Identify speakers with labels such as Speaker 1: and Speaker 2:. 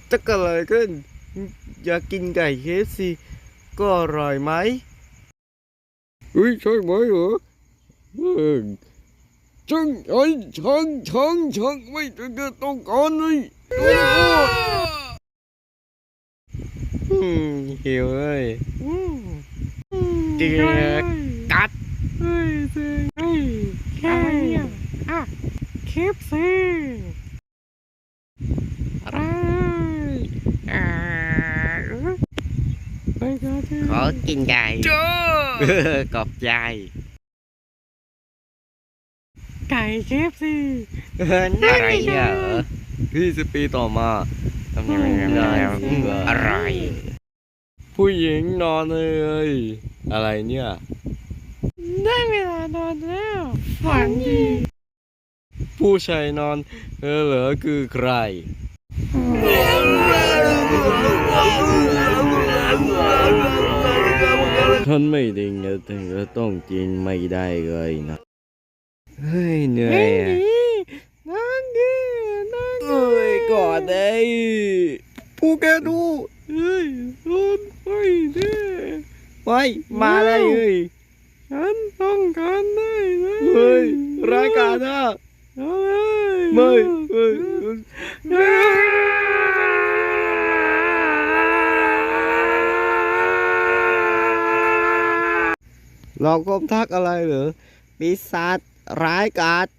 Speaker 1: จะเกิดอะไรขึ้นอยากกินไก่เคฟซีก็อร่อยไหมใช่ไหมเหรอเออช่างไอ้ช่างไม่ต้องการเลยหิวเลยเดือดกัด
Speaker 2: เฮ้ยเจ๋งเฮ้ยแค่อ่ะเคฟซีอะไรอ่าไปกันเถอะ
Speaker 1: ขอกินไก่กอบใจ
Speaker 2: ไก่เคฟซี
Speaker 1: อะไรเนี่ย20 ปีต่อมาทำยังไงได้อะไรผู้หญิงนอนเลยอะไรเนี่ย
Speaker 2: ได้เวลานอนแล้วฝันดี
Speaker 1: ผู้ชายนอนเหรอคือใครท่านไม่ได้เงินถึงจะต้องกินไม่ได้เลยนะเฮ้ยเหนื่อยอะ
Speaker 2: นั่งดีนั่งดี
Speaker 1: ก่อนเลยผู้แกดู
Speaker 2: เฮ้ยรถไฟดิ
Speaker 1: ไปมาเลย
Speaker 2: ฉันต้องการได้เลย
Speaker 1: เฮ้ยรายการนะ
Speaker 2: เอาเลย
Speaker 1: ไม่เราก็ทักอะไรเหรอปีศาจร้ายกาจ